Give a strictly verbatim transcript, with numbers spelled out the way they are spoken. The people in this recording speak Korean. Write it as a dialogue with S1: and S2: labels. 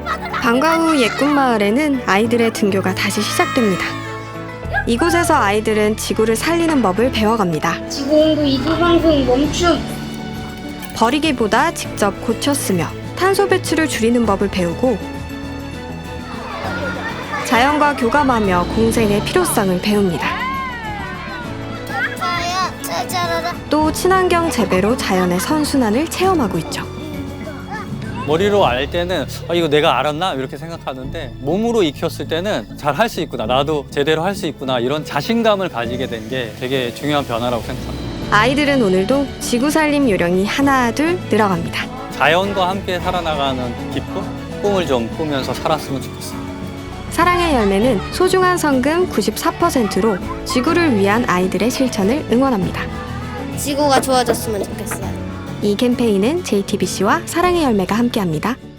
S1: 방과 후 예꿈마을에는 아이들의 등교가 다시 시작됩니다. 이곳에서 아이들은 지구를 살리는 법을 배워갑니다.
S2: 지구온도 이기방송 멈춤.
S1: 버리기보다 직접 고쳐 쓰며 탄소 배출을 줄이는 법을 배우고 자연과 교감하며 공생의 필요성을 배웁니다. 또 친환경 재배로 자연의 선순환을 체험하고 있죠.
S3: 머리로 알 때는 아, 이거 내가 알았나? 이렇게 생각하는데 몸으로 익혔을 때는 잘 할 수 있구나. 나도 제대로 할 수 있구나. 이런 자신감을 가지게 된 게 되게 중요한 변화라고 생각합니다.
S1: 아이들은 오늘도 지구 살림 요령이 하나 둘 늘어갑니다.
S3: 자연과 함께 살아나가는 기쁨? 꿈을 좀 꾸면서 살았으면 좋겠어요.
S1: 사랑의 열매는 소중한 성금 구십사 퍼센트로 지구를 위한 아이들의 실천을 응원합니다.
S2: 지구가 좋아졌으면 좋겠어요.
S1: 이 캠페인은 제이티비씨와 사랑의 열매가 함께합니다.